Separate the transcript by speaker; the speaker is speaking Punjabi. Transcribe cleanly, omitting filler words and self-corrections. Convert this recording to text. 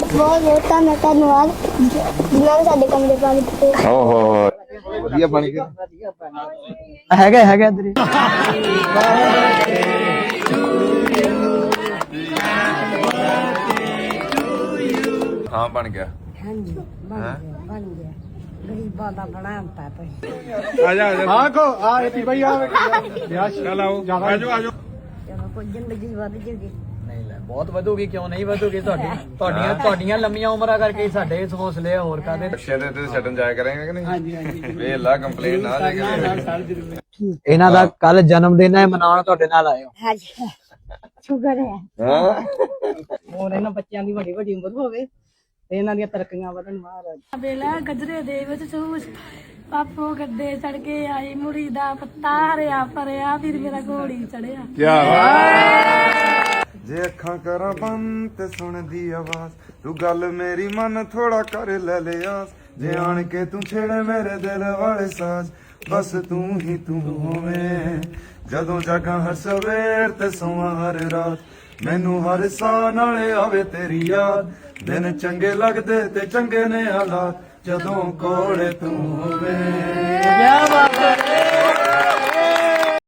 Speaker 1: ਬਹੁਤ ਬਹੁਤ ਧੰਨਵਾਦ ਜਿਨ੍ਹਾਂ ਨੇ ਸਾਡੇ ਕਮਰੇ ਪਾ ਦਿੱਤੇ।
Speaker 2: ਓਹੋ ਵਧੀਆ ਬਣ ਗਿਆ।
Speaker 3: ਹੈਗਾ ਇੱਧਰ ਹੀ।
Speaker 2: ਹਾਂ ਬਣ ਗਿਆ।
Speaker 4: ਹਾਂਜੀ ਬਣ ਗਿਆ ਗਰੀਬਾਂ ਦਾ ਬਣਾ ਹੁੰਦਾ ਤੁਸੀਂ।
Speaker 2: ਆ ਜਾ
Speaker 3: ਹਾਂ ਕੋ ਆ ਇਹ ਭਾਈ ਆ
Speaker 2: ਚੱਲ ਆਓ ਆਜੋ ਆਜੋ।
Speaker 4: ਚਲੋ ਕੋਈ ਜ਼ਿੰਦਗੀ ਵੱਧ ਜੂਗੀ।
Speaker 3: ਨਹੀਂ ਲੈ ਬਹੁਤ ਵਧੂਗੀ, ਕਿਉਂ ਨਹੀਂ ਵਧੂਗੀ? ਤੁਹਾਡੀਆਂ ਲੰਮੀਆਂ ਉਮਰਾਂ ਕਰਕੇ ਸਾਡੇ ਹੌਸਲੇ ਹੋਰ ਕਾਦੇ।
Speaker 2: ਬੱਚੇ ਦੇ ਤੇ ਛੱਡਣ ਜਾਇਆ ਕਰਾਂਗੇ ਕਿ ਨਹੀਂ? ਹਾਂਜੀ ਹਾਂਜੀ ਵੇਲਾ ਕੰਪਲੇਂਟ ਨਾ ਲੈ ਕੇ।
Speaker 3: ਇਹਨਾਂ ਦਾ ਕੱਲ ਜਨਮ ਦਿਨ ਹੈ, ਮਨਾਉਣ ਤੁਹਾਡੇ ਨਾਲ ਆਏ ਹੋ।
Speaker 4: ਹਾਂਜੀ ਸ਼ੁਕਰ ਹੈ।
Speaker 2: ਹਾਂ
Speaker 5: ਹੋਰ ਇਹਨਾਂ ਬੱਚਿਆਂ ਦੀ ਵੱਡੀ ਵੱਡੀ ਉਮਰ ਹੋਵੇ ਤੇ ਇਹਨਾਂ ਦੀਆਂ ਤਰੱਕੀਆਂ ਵਧਣ ਮਹਾਰਾਜ।
Speaker 6: ਵੇਲਾ ਗਜਰੇ ਦੇ ਵਿੱਚ ਸੂਸ ਪਾਪੋ ਗੱਡੇ ਚੜ ਕੇ ਆਈ ਮੁੜੀ ਦਾ ਪੱਤਾ ਹਰਿਆ ਭਰਿਆ ਫਿਰ ਮੇਰਾ ਘੋੜੀ ਚੜਿਆ।
Speaker 2: ਜੇ ਅੱਖਾਂ ਕਰਾਂ ਬੰਦ ਤੇ ਸੁਣਦੀ ਆਵਾਜ਼ ਤੂੰ ਗੱਲ ਮੇਰੀ ਮਨ ਥੋੜਾ ਕਰ ਲੈ ਲਿਆਸ ਜੇ ਆਣ ਕੇ ਤੂੰ ਛੇੜੇ ਮੇਰੇ ਦਿਲ ਵਾਲੇ ਸਾਜ਼ ਬਸ ਤੂੰ ਹੀ ਤੂੰ ਹੋਵੇਂ ਜਦੋਂ ਜਾਗਾਂ ਹਰ ਸਵੇਰ ਤੇ ਸੋਵਾਂ ਹਰ ਰਾਤ ਮੈਨੂੰ ਹਰ ਸਾਹ ਨਾਲੇ ਆਵੇ ਤੇਰੀ ਯਾਦ ਦਿਨ ਚੰਗੇ ਲੱਗਦੇ ਤੇ ਚੰਗੇ ਨੇ ਹਾਲਾਤ ਜਦੋਂ ਕੋਲੇ ਤੂੰ ਹੋਵੇਂ।
Speaker 3: ਕੀ ਬਾਤ ਹੈ।